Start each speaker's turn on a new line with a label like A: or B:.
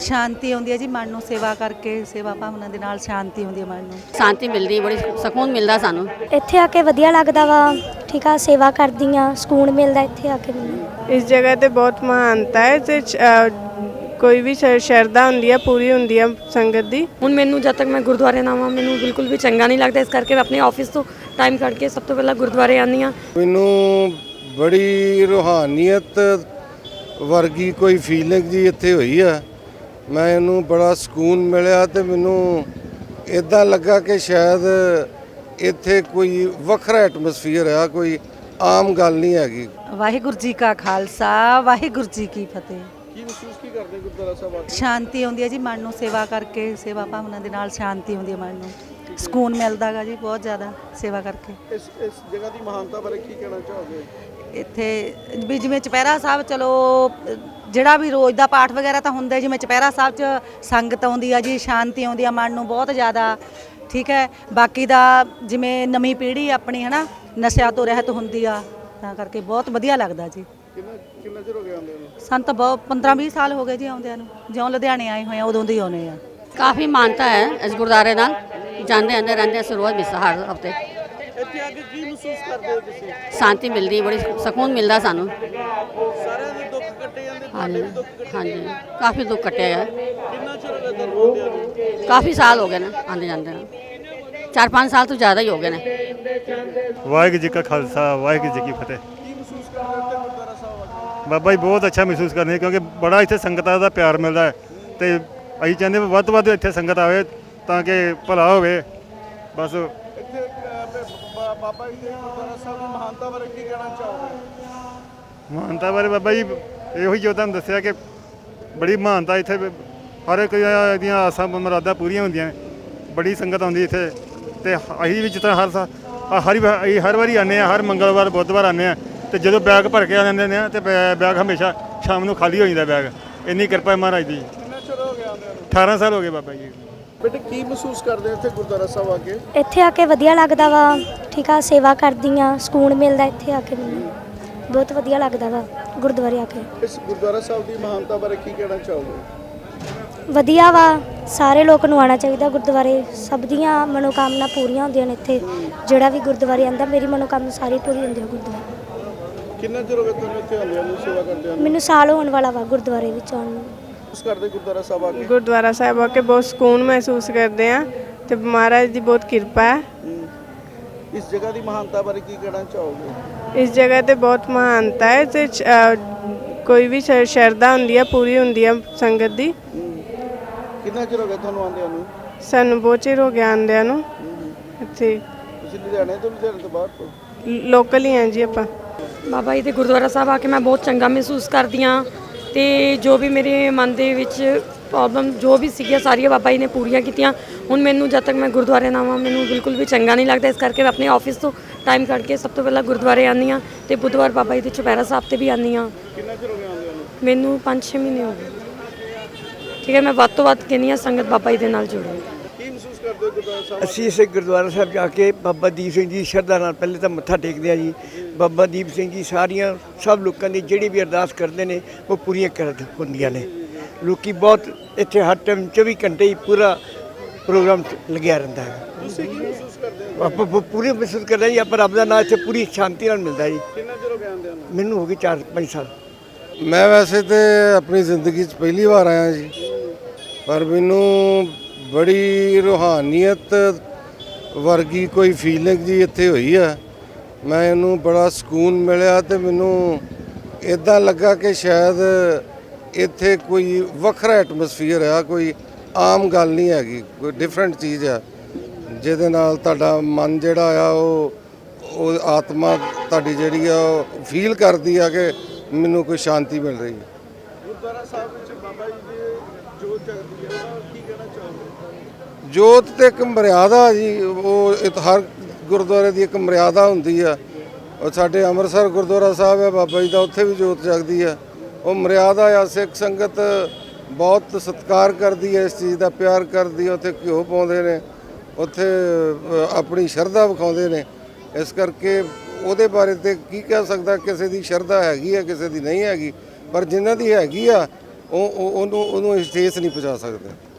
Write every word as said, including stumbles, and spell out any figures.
A: ਸ਼ਾਂਤੀ ਆਉਂਦੀ ਹੈ ਜੀ ਮਨ ਨੂੰ ਸੇਵਾ ਕਰਕੇ, ਸੇਵਾ ਭਾਵਨਾ ਦੇ ਨਾਲ ਸ਼ਾਂਤੀ ਆਉਂਦੀ ਹੈ ਮਨ ਨੂੰ,
B: ਸ਼ਾਂਤੀ ਮਿਲਦੀ, ਬੜੀ ਸਕੂਨ ਮਿਲਦਾ ਸਾਨੂੰ।
C: ਇੱਥੇ ਆ ਕੇ ਵਧੀਆ ਲੱਗਦਾ ਵਾ, ਠੀਕ ਆ, ਸੇਵਾ ਕਰਦੀ ਆ, ਸਕੂਨ ਮਿਲਦਾ ਇੱਥੇ ਆ ਕੇ ਮੈਨੂੰ।
D: ਇਸ ਜਗ੍ਹਾ ਤੇ ਬਹੁਤ ਮਹਾਨਤਾ ਹੈ ਤੇ ਕੋਈ ਵੀ ਸ਼ਰਧਾ ਹੁੰਦੀ ਹੈ ਪੂਰੀ ਹੁੰਦੀ ਹੈ ਸੰਗਤ ਦੀ।
E: ਹੁਣ ਮੈਨੂੰ ਜਦ ਤੱਕ ਮੈਂ ਗੁਰਦੁਆਰੇ ਨਾ ਆਵਾਂ ਮੈਨੂੰ ਬਿਲਕੁਲ ਵੀ ਚੰਗਾ ਨਹੀਂ ਲੱਗਦਾ, ਇਸ ਕਰਕੇ ਮੈਂ ਆਪਣੇ ਆਫਿਸ ਤੋਂ ਟਾਈਮ ਕੱਢ ਕੇ ਸਭ ਤੋਂ ਪਹਿਲਾਂ ਗੁਰਦੁਆਰੇ ਆਉਂਦੀ ਹਾਂ।
F: ਮੈਨੂੰ ਬੜੀ ਰੂਹਾਨੀਅਤ ਵਰਗੀ ਕੋਈ ਫੀਲਿੰਗ ਜੀ ਇੱਥੇ ਹੋਈ ਆ, ਮੈਂ ਇਹਨੂੰ ਬੜਾ ਸਕੂਨ ਮਿਲਿਆ ਤੇ ਮੈਨੂੰ ਇੱਦਾਂ ਲੱਗਾ ਕਿ ਸ਼ਾਇਦ ਇੱਥੇ ਕੋਈ ਵੱਖਰਾ ਐਟਮੋਸਫੀਅਰ ਆ, ਕੋਈ ਆਮ ਗੱਲ ਨਹੀਂ ਹੈਗੀ।
A: ਵਾਹਿਗੁਰੂ ਜੀ ਕਾ ਖਾਲਸਾ, ਵਾਹਿਗੁਰੂ ਜੀ ਕੀ ਫਤਿਹ।
G: ਕੀ ਮਹਿਸੂਸ ਕੀ ਕਰਦੇ ਗੁਰਦੁਆਰਾ ਸਾਹਿਬ ਆ ਕੇ?
A: ਸ਼ਾਂਤੀ ਆਉਂਦੀ ਹੈ ਜੀ ਮਨ ਨੂੰ ਸੇਵਾ ਕਰਕੇ, ਸੇਵਾ ਭਾਵਨਾ ਦੇ ਨਾਲ ਸ਼ਾਂਤੀ ਆਉਂਦੀ ਹੈ ਮਨ ਨੂੰ, ਸਕੂਨ ਮਿਲਦਾ ਗਾ ਜੀ ਬਹੁਤ ਜ਼ਿਆਦਾ ਸੇਵਾ ਕਰਕੇ।
G: ਇਸ ਇਸ ਜਗ੍ਹਾ ਦੀ ਮਹਾਨਤਾ ਬਾਰੇ ਕੀ ਕਹਿਣਾ ਚਾਹੋਗੇ?
A: ਇੱਥੇ ਵੀ ਜਿਵੇਂ ਚੁਪਹਿਰਾ ਸਾਹਿਬ, ਚਲੋ ਜਿਹੜਾ ਵੀ ਰੋਜ਼ ਦਾ ਪਾਠ ਵਗੈਰਾ ਤਾਂ ਹੁੰਦਾ, ਜਿਵੇਂ ਚੁਪਹਿਰਾ ਸਾਹਿਬ 'ਚ ਸੰਗਤ ਆਉਂਦੀ ਆ ਜੀ, ਸ਼ਾਂਤੀ ਆਉਂਦੀ ਆ ਮਨ ਨੂੰ ਬਹੁਤ ਜ਼ਿਆਦਾ, ਠੀਕ ਹੈ। ਬਾਕੀ ਦਾ ਜਿਵੇਂ ਨਵੀਂ ਪੀੜ੍ਹੀ ਆਪਣੀ ਹੈ ਨਾ ਨਸ਼ਿਆਂ ਤੋਂ ਰਹਿਤ ਹੁੰਦੀ ਆ, ਤਾਂ ਕਰਕੇ ਬਹੁਤ ਵਧੀਆ ਲੱਗਦਾ ਜੀ।
G: ਕਿੰਨਾ ਕਿੰਨਾ ਚਿਰ ਹੋ ਗਿਆ ਆਉਂਦੇ ਨੂੰ?
A: ਸਾਨੂੰ ਤਾਂ ਬਹੁਤ ਪੰਦਰਾਂ ਵੀਹ ਸਾਲ ਹੋ ਗਏ ਜੀ ਆਉਂਦਿਆਂ ਨੂੰ, ਜਿਉਂ ਲੁਧਿਆਣੇ ਆਏ ਹੋਏ ਆ ਉਦੋਂ ਦੇ ਆਉਂਦੇ ਆ।
B: ਕਾਫੀ ਮਾਨਤਾ ਹੈ ਇਸ ਗੁਰਦੁਆਰੇ ਨਾਲ, ਜਾਂਦੇ ਆਉਂਦੇ ਰਹਿੰਦੇ ਅਸੀਂ ਰੋਜ਼ ਮਿਸ ਹਰ ਹਫਤੇ।
G: ਇੱਥੇ ਆ ਕੇ ਕੀ ਮਹਿਸੂਸ ਕਰਦੇ ਹੋ ਤੁਸੀਂ?
B: ਸ਼ਾਂਤੀ ਮਿਲਦੀ, ਬੜੀ ਸਕੂਨ ਮਿਲਦਾ ਸਾਨੂੰ।
G: ਸਾਰਿਆਂ ਦੇ ਦੁੱਖ ਕੱਟੇ ਜਾਂਦੇ, ਤੁਹਾਡੇ ਵੀ ਦੁੱਖ ਕੱਟੇ?
B: ਹਾਂਜੀ, ਕਾਫੀ ਦੁੱਖ ਕੱਟਿਆ ਹੈ।
G: ਕਿੰਨਾ ਚਿਰ ਹੋ ਗਿਆ ਤੁਹਾਨੂੰ ਆਉਂਦਿਆਂ ਨੂੰ?
B: ਕਾਫੀ ਸਾਲ ਹੋ ਗਏ ਨੇ ਆਉਂਦੇ ਜਾਂਦੇ ਨੂੰ, ਚਾਰ ਪੰਜ ਸਾਲ ਤੋਂ ਜ਼ਿਆਦਾ ਹੀ ਹੋ ਗਏ ਨੇ।
H: ਵਾਹਿਗੁਰੂ ਜੀ ਕਾ ਖਾਲਸਾ, ਵਾਹਿਗੁਰੂ ਜੀ ਕੀ ਫਤਿਹ।
G: ਕੀ ਮਹਿਸੂਸ ਕਰਦੇ ਹੋ ਇੱਥੇ ਗੁਰਦੁਆਰਾ ਸਾਹਿਬ ਆ ਕੇ?
H: ਬਾਬਾ ਜੀ ਬਹੁਤ ਅੱਛਾ ਮਹਿਸੂਸ ਕਰਦੇ ਹਾਂ, ਕਿਉਂਕਿ ਬੜਾ ਇੱਥੇ ਸੰਗਤਾਂ ਦਾ ਪਿਆਰ ਮਿਲਦਾ ਹੈ ਤੇ ਅਸੀਂ ਚਾਹੁੰਦੇ ਵੱਧ ਤੋਂ ਵੱਧ ਇੱਥੇ ਸੰਗਤ ਆਵੇ ਤਾਂ ਕਿ ਭਲਾ ਹੋਵੇ। ਬਸ
G: ਇੱਥੇ ਅਹ, ਬਾ- ਬਾਬਾ ਜੀ ਦੇ ਗੁਰਦੁਆਰਾ ਸਾਹਿਬ ਦੀ ਮਹਾਨਤਾ ਬਾਰੇ ਕੀ ਕਹਿਣਾ ਚਾਹੋਗੇ?
H: ਮਹਾਨਤਾ ਬਾਰੇ ਬਾਬਾ ਜੀ ਇਹੋ ਹੀ ਜੋ ਤੁਹਾਨੂੰ ਦੱਸਿਆ ਕਿ ਬੜੀ ਮਹਾਨਤਾ ਇੱਥੇ, ਹਰ ਇੱਕ ਦੀਆਂ ਆਸਾਂ ਮੁਰਾਦਾਂ ਪੂਰੀਆਂ ਹੁੰਦੀਆਂ ਨੇ, ਬੜੀ ਸੰਗਤ ਆਉਂਦੀ ਇੱਥੇ। ਤੇ ਅਸੀਂ ਵੀ ਜਿਸ ਤਰ੍ਹਾਂ ਹਰ ਸਾਲ ਹਰ ਅਸੀਂ ਹਰ ਵਾਰੀ ਆਉਂਦੇ ਹਾਂ, ਹਰ ਮੰਗਲਵਾਰ ਬੁੱਧਵਾਰ ਆਉਂਦੇ ਹਾਂ, ਤੇ ਜਦੋਂ ਬੈਗ ਭਰ ਕੇ ਆ ਜਾਂਦੇ ਨੇ ਤੇ ਬੈਗ ਹਮੇਸ਼ਾ ਸ਼ਾਮ ਨੂੰ ਖਾਲੀ ਹੋ ਜਾਂਦਾ ਬੈਗ। ਇੰਨੀ ਕਿਰਪਾ ਹੈ ਮਹਾਰਾਜ ਦੀ।
G: ਕਿੰਨਾ ਚਿਰ ਹੋ ਗਿਆ ਆਉਂਦਿਆਂ ਨੂੰ?
H: ਅਠਾਰਾਂ ਸਾਲ ਹੋ ਗਏ ਬਾਬਾ ਜੀ।
G: ਬੇਟੇ ਕੀ ਮਹਿਸੂਸ ਕਰਦੇ ਹੋ ਇੱਥੇ ਗੁਰਦੁਆਰਾ ਸਾਹਿਬ ਆ ਕੇ?
C: ਇੱਥੇ ਆ ਕੇ ਵਧੀਆ ਲੱਗਦਾ ਵਾ, ਠੀਕ ਆ, ਸੇਵਾ ਕਰਦੀ ਆ, ਸਕੂਨ ਮਿਲਦਾ ਇੱਥੇ ਆ ਕੇ ਮੈਨੂੰ, ਬਹੁਤ ਵਧੀਆ ਲੱਗਦਾ ਵਾ ਗੁਰਦੁਆਰੇ ਆ ਕੇ।
G: ਇਸ ਗੁਰਦੁਆਰਾ ਸਾਹਿਬ ਦੀ ਮਹਾਨਤਾ ਬਾਰੇ ਕੀ ਕਹਿਣਾ ਚਾਹੋਗੇ?
C: ਵਧੀਆ ਵਾ, ਸਾਰੇ ਲੋਕ ਨੂੰ ਆਉਣਾ ਚਾਹੀਦਾ ਗੁਰਦੁਆਰੇ, ਸਭ ਦੀਆਂ ਮਨੋਕਾਮਨਾ ਪੂਰੀਆਂ ਹੁੰਦੀਆਂ ਨੇ ਇੱਥੇ। ਜਿਹੜਾ ਵੀ ਗੁਰਦੁਆਰੇ ਆਉਂਦਾ ਮੇਰੀ ਮਨੋਕਾਮਨਾ ਸਾਰੀ ਪੂਰੀ ਹੁੰਦੀ ਹੈ ਗੁਰਦੁਆਰੇ।
G: ਕਿੰਨਾ ਚਿਰ ਹੋ ਗਿਆ ਤੁਹਾਨੂੰ ਇੱਥੇ ਆਉਂਦਿਆਂ ਨੂੰ, ਸੇਵਾ ਕਰਦੇ ਹੋ?
C: ਮੈਨੂੰ ਸਾਲ ਹੋਣ ਵਾਲਾ ਵਾ ਗੁਰਦੁਆਰੇ ਵਿੱਚ ਆਉਣ ਨੂੰ।
G: ਉਸ ਕਰਦੇ ਗੁਰਦੁਆਰਾ ਸਾਹਿਬ ਆ ਕੇ?
D: ਗੁਰਦੁਆਰਾ ਸਾਹਿਬ ਆ ਕੇ ਬਹੁਤ ਸਕੂਨ ਮਹਿਸੂਸ ਕਰਦੇ ਆ ਤੇ ਮਹਾਰਾਜ ਦੀ ਬਹੁਤ ਕਿਰਪਾ ਹੈ।
G: ਇਸ ਜਗ੍ਹਾ ਦੀ ਮਹਾਨਤਾ ਬਾਰੇ ਕੀ ਕਹਿਣਾ ਚਾਹੋਗੇ?
D: ਇਸ ਜਗ੍ਹਾ ਤੇ ਬਹੁਤ ਮਹਾਨਤਾ ਹੈ ਤੇ ਕੋਈ ਵੀ ਸ਼ਰਧਾ ਹੁੰਦੀ ਹੈ ਪੂਰੀ ਹੁੰਦੀ ਹੈ ਸੰਗਤ ਦੀ।
G: ਕਿੰਨਾ ਚਿਰ ਹੋ ਗਿਆ ਤੁਹਾਨੂੰ ਆਉਂਦਿਆਂ ਨੂੰ?
D: ਸਾਨੂੰ ਬਹੁਤ ਚਿਰ ਹੋ ਗਿਆ ਆਉਂਦਿਆਂ ਨੂੰ। ਇੱਥੇ
G: ਤੁਸੀਂ ਲੁਧਿਆਣੇ ਤੋਂ ਲੁਧਿਆਣੇ ਤੋਂ ਬਾਹਰ ਤੋਂ?
D: ਲੋਕਲ ਹੀ ਹਾਂ ਜੀ ਆਪਾਂ।
E: ਬਾਬਾ ਜੀ ਦੇ ਗੁਰਦੁਆਰਾ ਸਾਹਿਬ ਆ ਕੇ ਮੈਂ ਬਹੁਤ ਚੰਗਾ ਮਹਿਸੂਸ ਕਰਦੀ ਹਾਂ, ਤੇ ਜੋ ਵੀ ਮੇਰੇ ਮਨ ਦੇ ਵਿੱਚ ਪ੍ਰੋਬਲਮ ਜੋ ਵੀ ਸੀਗੀਆਂ ਸਾਰੀਆਂ ਬਾਬਾ ਜੀ ਨੇ ਪੂਰੀਆਂ ਕੀਤੀਆਂ। ਹੁਣ ਮੈਨੂੰ ਜਦ ਤੱਕ ਮੈਂ ਗੁਰਦੁਆਰੇ ਨਾ ਆਵਾਂ ਮੈਨੂੰ ਬਿਲਕੁਲ ਵੀ ਚੰਗਾ ਨਹੀਂ ਲੱਗਦਾ, ਇਸ ਕਰਕੇ ਮੈਂ ਆਪਣੇ ਆਫਿਸ ਤੋਂ ਟਾਈਮ ਕੱਢ ਕੇ ਸਭ ਤੋਂ ਪਹਿਲਾਂ ਗੁਰਦੁਆਰੇ ਆਉਂਦੀ ਹਾਂ, ਤੇ ਬੁੱਧਵਾਰ ਬਾਬਾ ਜੀ ਦੇ ਚੁਪਹਿਰਾ ਸਾਹਿਬ 'ਤੇ ਵੀ ਆਉਂਦੀ ਹਾਂ।
G: ਕਿੰਨਾ ਚਿਰ ਹੋ ਗਿਆ ਆਉਂਦਿਆਂ ਨੂੰ?
E: ਮੈਨੂੰ ਪੰਜ ਛੇ ਮਹੀਨੇ ਹੋ ਗਏ। ਠੀਕ ਹੈ, ਮੈਂ ਵੱਧ ਤੋਂ ਵੱਧ ਕਹਿੰਦੀ ਹਾਂ ਸੰਗਤ ਬਾਬਾ ਜੀ ਦੇ ਨਾਲ ਜੁੜੇ।
G: ਕੀ ਮਹਿਸੂਸ ਕਰਦੇ ਹੋ ਗੁਰਦੁਆਰਾ ਸਾਹਿਬ?
I: ਅਸੀਂ ਇਸੇ ਗੁਰਦੁਆਰਾ ਸਾਹਿਬ ਜਾ ਕੇ ਬਾਬਾ ਦੀਪ ਸਿੰਘ ਜੀ ਸ਼ਰਧਾ ਨਾਲ ਪਹਿਲੇ ਤਾਂ ਮੱਥਾ ਟੇਕਦੇ ਹਾਂ ਜੀ। ਬਾਬਾ ਦੀਪ ਸਿੰਘ ਜੀ ਸਾਰੀਆਂ ਸਭ ਲੋਕਾਂ ਦੀ ਜਿਹੜੀ ਵੀ ਅਰਦਾਸ ਕਰਦੇ ਨੇ ਉਹ ਪੂਰੀਆਂ ਕਰ ਹੁੰਦੀਆਂ ਨੇ। ਲੋਕੀ ਬਹੁਤ ਇੱਥੇ ਹਰ ਟਾਈਮ ਚੌਵੀ ਘੰਟੇ ਹੀ ਪੂਰਾ ਪ੍ਰੋਗਰਾਮ ਲੱਗਿਆ ਰਹਿੰਦਾ ਹੈ।
G: ਤੁਸੀਂ ਕੀ ਮਹਿਸੂਸ ਕਰਦੇ ਹੋ?
I: ਆਪਾਂ ਪੂਰੀ ਮਹਿਸੂਸ ਕਰਦੇ ਜੀ, ਆਪਾਂ ਰੱਬ ਦਾ ਨਾਮ ਇੱਥੇ ਪੂਰੀ ਸ਼ਾਂਤੀ ਨਾਲ ਮਿਲਦਾ ਜੀ।
G: ਕਿੰਨਾ ਚਿਰ ਹੋ ਗਿਆ ਆਉਂਦਿਆਂ ਨੂੰ?
I: ਮੈਨੂੰ ਹੋ ਗਏ ਚਾਰ ਪੰਜ ਸਾਲ।
F: ਮੈਂ ਵੈਸੇ ਤੇ ਆਪਣੀ ਜ਼ਿੰਦਗੀ 'ਚ ਪਹਿਲੀ ਵਾਰ ਆਇਆ ਜੀ, ਪਰ ਮੈਨੂੰ ਬੜੀ ਰੂਹਾਨੀਅਤ ਵਰਗੀ ਕੋਈ ਫੀਲਿੰਗ ਜੀ ਇੱਥੇ ਹੋਈ ਆ, ਮੈਂ ਇਹਨੂੰ ਬੜਾ ਸਕੂਨ ਮਿਲਿਆ ਤੇ ਮੈਨੂੰ ਇੱਦਾਂ ਲੱਗਾ ਕਿ ਸ਼ਾਇਦ ਇੱਥੇ ਕੋਈ ਵੱਖਰਾ ਐਟਮੋਸਫੀਅਰ ਆ, ਕੋਈ ਆਮ ਗੱਲ ਨਹੀਂ ਹੈਗੀ, ਕੋਈ ਡਿਫਰੈਂਟ ਚੀਜ਼ ਆ ਜਿਹਦੇ ਨਾਲ ਤੁਹਾਡਾ ਮਨ ਜਿਹੜਾ ਆ ਉਹ ਉਹ ਆਤਮਾ ਤੁਹਾਡੀ ਜਿਹੜੀ ਆ ਉਹ ਫੀਲ ਕਰਦੀ ਆ ਕਿ ਮੈਨੂੰ ਕੋਈ ਸ਼ਾਂਤੀ ਮਿਲ ਰਹੀ ਹੈ।
G: ਗੁਰਦੁਆਰਾ ਸਾਹਿਬ ਵਿੱਚ ਬਾਬਾ ਜੀ ਦੀ ਜੋਤ ਜਗਦੀ ਹੈ, ਉਹਦਾ ਕੀ ਕਹਿਣਾ ਚਾਹੋਗੇ?
F: ਜੋਤ ਤੇ ਇੱਕ ਮਰਿਆਦਾ ਜੀ, ਉਹ ਇਹ ਹਰ ਗੁਰਦੁਆਰੇ ਦੀ ਇੱਕ ਮਰਿਆਦਾ ਹੁੰਦੀ ਆ। ਉਹ ਸਾਡੇ ਅੰਮ੍ਰਿਤਸਰ ਗੁਰਦੁਆਰਾ ਸਾਹਿਬ ਹੈ ਬਾਬਾ ਜੀ ਦਾ, ਉੱਥੇ ਵੀ ਜੋਤ ਜਗਦੀ ਆ। ਉਹ ਮਰਿਆਦਾ ਆ, ਸਿੱਖ ਸੰਗਤ ਬਹੁਤ ਸਤਿਕਾਰ ਕਰਦੀ ਹੈ, ਇਸ ਚੀਜ਼ ਦਾ ਪਿਆਰ ਕਰਦੀ ਹੈ। ਉੱਥੇ ਘਿਓ ਪਾਉਂਦੇ ਨੇ, ਉੱਥੇ ਆਪਣੀ ਸ਼ਰਧਾ ਵਿਖਾਉਂਦੇ ਨੇ। ਇਸ ਕਰਕੇ ਉਹਦੇ ਬਾਰੇ ਤੇ ਕੀ ਕਹਿ ਸਕਦਾ, ਕਿਸੇ ਦੀ ਸ਼ਰਧਾ ਹੈਗੀ ਆ ਕਿਸੇ ਦੀ ਨਹੀਂ ਹੈਗੀ, ਪਰ ਜਿਨ੍ਹਾਂ ਦੀ ਹੈਗੀ ਆ ਉਹ ਉਹ- ਉਹਨੂੰ ਉਹਨੂੰ ਅਸੀਂ ਠੇਸ ਨਹੀਂ ਪਹੁੰਚਾ ਸਕਦੇ।